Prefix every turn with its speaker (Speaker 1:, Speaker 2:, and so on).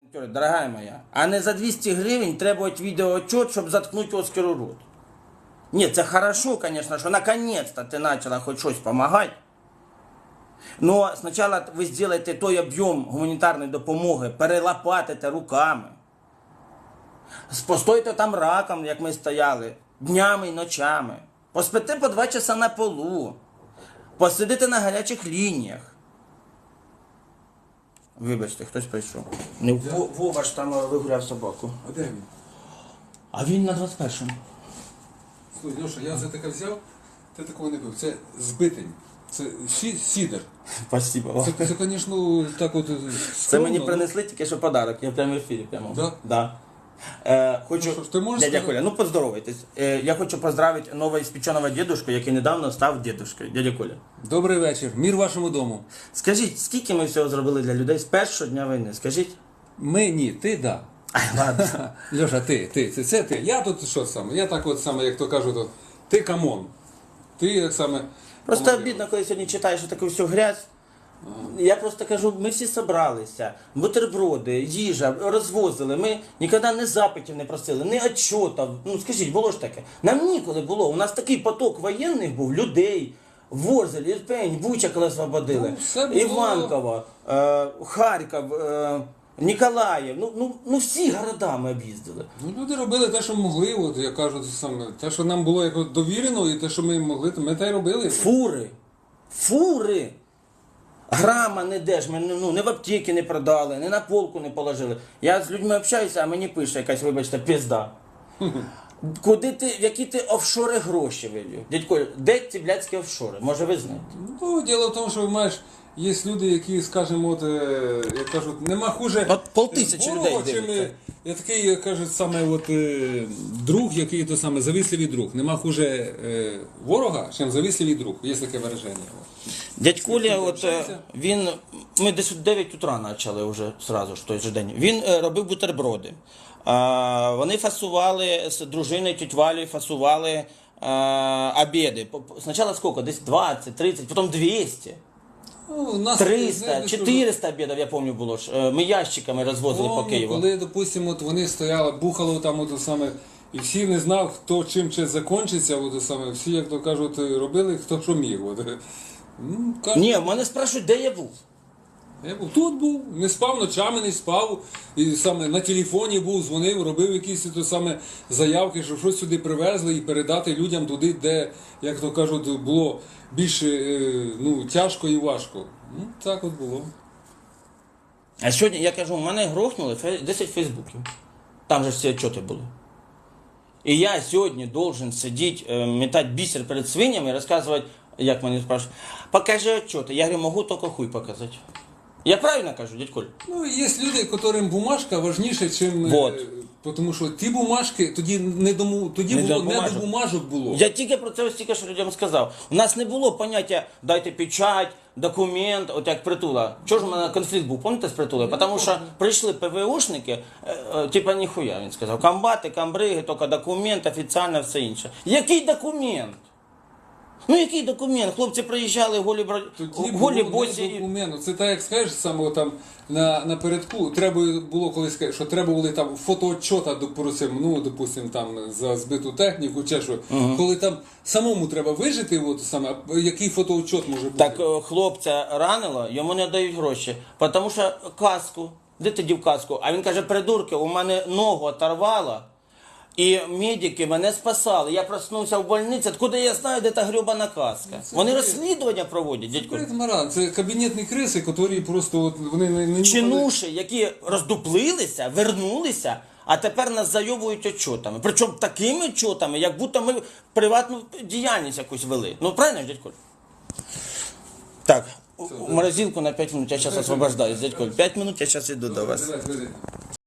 Speaker 1: Дорогая моя, а не за 200 гривень требовать відеоотчет, щоб заткнути Оскару рот. Ні, це хорошо, конечно, що наконец-то ти почала хоч щось допомагати. Но спочатку ви зробите той об'єм гуманітарної допомоги, перелопатите руками. Постойте там раком, як ми стояли, днями і ночами. Поспите по 2 часа на полу. Посидите на гарячих лініях. Вибачте, хтось прийшов. Вова ж там вигуляв собаку.
Speaker 2: А де він?
Speaker 1: А він на 21-му.
Speaker 2: Слухай, Льоша, я за таке взяв, ти такого не пив. Це збитень. Це сідер.
Speaker 1: Спасибо.
Speaker 2: Це, звісно, так от
Speaker 1: Це мені принесли тільки що подарок, я прямо в ефірі.
Speaker 2: Да?
Speaker 1: Да. Хочу,
Speaker 2: ну, ти можеш
Speaker 1: дядя Коля, ну поздоровайтесь. Я хочу поздравити новоіспеченого дедушку, який недавно став дедушкою. Дядя Коля.
Speaker 2: Добрий вечір. Мір вашому дому.
Speaker 1: Скажіть, скільки ми всього зробили для людей з першого дня війни? Скажіть?
Speaker 2: Ми ні, ти да.
Speaker 1: Ай, ладно.
Speaker 2: Льоша, це ти. Я тут що саме? Я так от саме, як то кажуть, от, ти камон. Ти як саме.
Speaker 1: Просто обідно, коли сьогодні читаєш таку всю грязь. Я просто кажу, ми всі зібралися, бутерброди, їжа, розвозили, ми ніколи не запитів не просили, не отчетів. Ну скажіть, було ж таке? Нам ніколи було, у нас такий поток воєнних був, людей, Ворзель, Ірпень, Буча, коли освободили, Іванково, Харків, Ніколаїв, ну всі города ми об'їздили.
Speaker 2: Ну, люди робили те, що могли, от, я кажу, саме, те, що нам було як довірено, і те, що ми могли, то ми те й робили.
Speaker 1: Фури! Грама не де ж, ми не в аптеки не продали, не на полку не положили. Я з людьми общаюся, а мені пише якась, вибачте, пізда. Куди ти, в які ти офшори гроші вивів? Дядько, де ці блядські офшори? Може ви знаєте?
Speaker 2: Ну, діло в тому, що маєш, є люди, які, скажімо, от, як кажуть, нема хуже
Speaker 1: От 5000 людей дивиться.
Speaker 2: Я такий, як кажуть, саме от, друг, який то саме завісливий друг. Нема хуже ворога, чим завісливий друг. Є таке вираження.
Speaker 1: Дядь Коля, от він, ми десь в 9 утра почали вже сразу ж той же день. Він робив бутерброди. Вони фасували з дружиною тють Валею, фасували обіди. Спочатку скільки? Десь 20, 30, потім 200.
Speaker 2: Ну, нас
Speaker 1: 300, 400 обідів, я пам'ятаю, було ж. Ми ящиками розвозили по Києву.
Speaker 2: Коли, допустимо, от вони стояли, бухало там, от, саме, і всі не знав, хто чим чи закінчиться, от, саме, всі, як то кажуть, робили, хто що міг. От. Ну, кажуть,
Speaker 1: Ні, мене спрашують, де я був.
Speaker 2: я був тут був, не спав, ночами не спав, і саме на телефоні був, дзвонив, робив якісь то саме заявки, щоб щось сюди привезли і передати людям туди, де, як то кажуть, було більш тяжко і важко. Ну, так от було.
Speaker 1: А сьогодні, я кажу, мене грохнули 10 фейсбуків. Там же всі отчети були. І я сьогодні должен сидіти, метати бісер перед свинями і розказувати, як мене спрашують, покажи отчети. Я говорю, можу тільки хуй показати. Я правильно кажу, дядь Коль?
Speaker 2: Ну, є люди, яким бумажка важніше, ніж...
Speaker 1: Вот.
Speaker 2: Тому що ті бумажки, тоді не до бумажок було.
Speaker 1: Я тільки про це ось тільки що людям сказав. У нас не було поняття «дайте печать», «документ», от як Притула. Чого ж у мене конфлікт був, пам'ятаєте, з Притулою? Тому що прийшли ПВОшники, типа ніхуя, він сказав. Комбати, комбриги, тільки документ, офіційно, все інше. Який документ? Ну який документ? Хлопці приїжджали голі босі.
Speaker 2: Це так, як скажеш, саме там напередку, треба було колись сказати, що треба були там фотоотчота, допустим, там за збиту техніку, чи що. Коли там самому треба вижити, от, саме, який фотоотчот може бути?
Speaker 1: Так хлопця ранило, йому не дають гроші, тому що каску, де ти дів каску? А він каже, придурки, у мене ногу оторвало. І медики мене спасали. Я проснувся в больниці, откуда я знаю, де та гребана каска. Вони розслідування проводять, дядько.
Speaker 2: Це кабінетні криси, які просто от, вони не
Speaker 1: чинуші, які роздуплилися, вернулися, а тепер нас зайовують отчотами. Причому такими отчотами, як будто ми приватну діяльність якусь вели. Ну, правильно, дядько? Так, морозилку на 5 минут, я зараз освобождаюсь, дядько. 5 минут, я зараз йду до вас.